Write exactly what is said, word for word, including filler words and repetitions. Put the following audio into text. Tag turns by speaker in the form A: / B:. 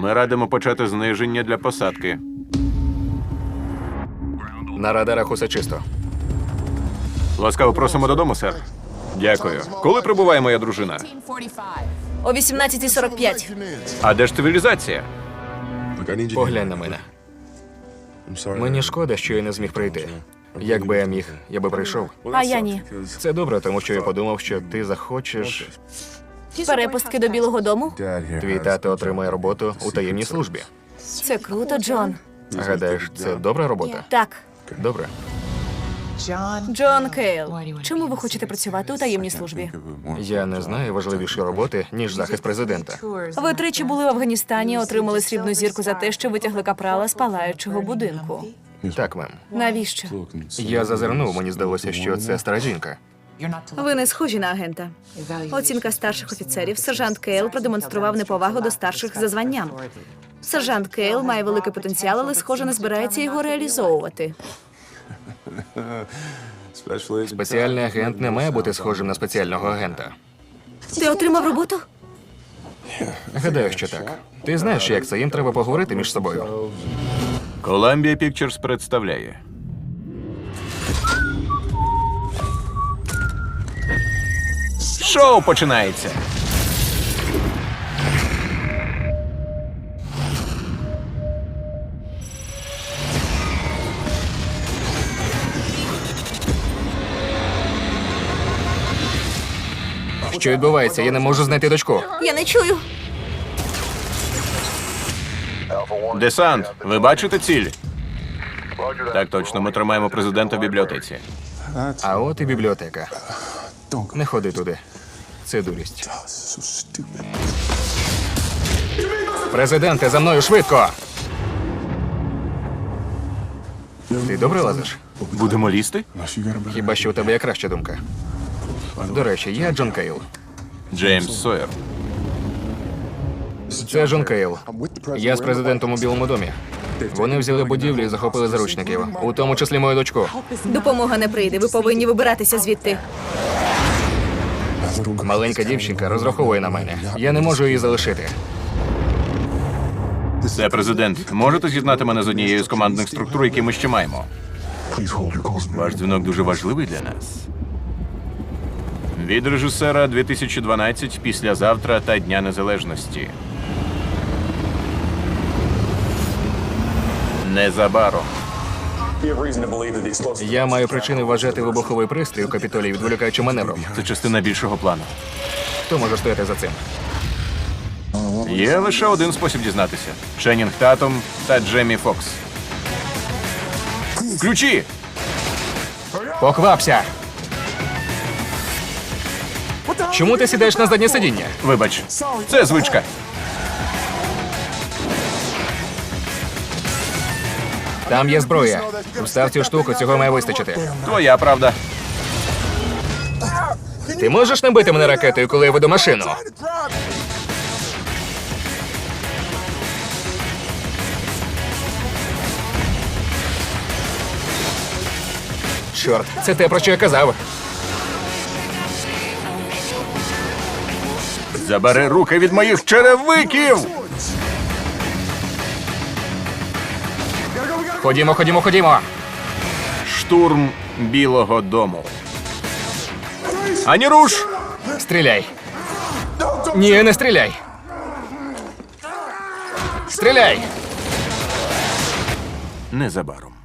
A: Ми радимо почати зниження для посадки.
B: На радарах усе чисто.
A: Ласкаво просимо додому, сер. Дякую. Коли прибуває моя дружина?
C: О вісімнадцятій сорок п'ять.
A: А де ж цивілізація?
B: Поглянь на мене. Мені шкода, що я не зміг прийти. Якби я міг, я би прийшов.
C: А я ні.
B: Це добре, тому що я подумав, що ти захочеш.
C: Перепустки до Білого дому?
B: Твій тато отримає роботу у таємній службі.
C: Це круто, Джон.
B: Гадаєш, це добра робота?
C: Так.
B: Добре.
C: Джон Кейл. Чому ви хочете працювати у таємній службі?
B: Я не знаю важливішої роботи, ніж захист президента.
C: Ви тричі були в Афганістані, отримали срібну зірку за те, що витягли капрала з палаючого будинку.
B: Так, мем.
C: Навіщо?
B: Я зазирнув, мені здалося, що це стара жінка.
C: Ви не схожі на агента. Оцінка старших офіцерів. Сержант Кейл продемонстрував неповагу до старших за званням. Сержант Кейл має великий потенціал, але, схоже, не збирається його реалізовувати.
B: Спеціальний агент не має бути схожим на спеціального агента.
C: Ти отримав роботу?
B: Гадаю, що так. Ти знаєш, як це, їм треба поговорити між собою.
A: Columbia Pictures представляє. Шоу починається.
B: Що відбувається? Я не можу знайти дочку.
C: Я не чую.
A: Десант, ви бачите ціль? Так точно, ми тримаємо президента в бібліотеці.
B: А от і бібліотека. Не ходи туди. Це дурість. Президенте, за мною швидко! Ти добре лазиш?
A: Будемо лізти?
B: Хіба що у тебе є краща думка? До речі, я Джон Кейл.
A: Джеймс Сойер.
B: Це Джон Кейл. Я з президентом у Білому домі. Вони взяли будівлю і захопили заручників, у тому числі мою дочку.
C: Допомога не прийде. Ви повинні вибиратися звідти.
B: Маленька дівчинка розраховує на мене. Я не можу її залишити.
A: Це президент. Можете з'єднати мене з однією з командних структур, які ми ще маємо? Ваш дзвінок дуже важливий для нас. Від режисера дві тисячі дванадцять, післязавтра та Дня Незалежності. Незабаром.
B: Я маю причини вважати вибуховий пристрій у Капітолії відволікаючим маневром.
A: Це частина більшого плану.
B: Хто може стояти за цим?
A: Є лише один спосіб дізнатися. Ченнінг Татум та Джеймі Фокс. Ключі!
B: Поквапся! Чому ти сідаєш на заднє сидіння?
A: Вибач, це звичка.
B: Там є зброя. Встав цю штуку, цього має вистачити.
A: Твоя правда.
B: Ти можеш не бити мене ракетою, коли я веду машину? Чорт, це те, про що я казав.
A: Забери руки від моїх черевиків!
B: Ходімо, ходімо, ходімо.
A: Штурм Білого дому. Ані руш!
B: Стріляй. Ні, не стріляй. Стріляй!
A: Незабаром.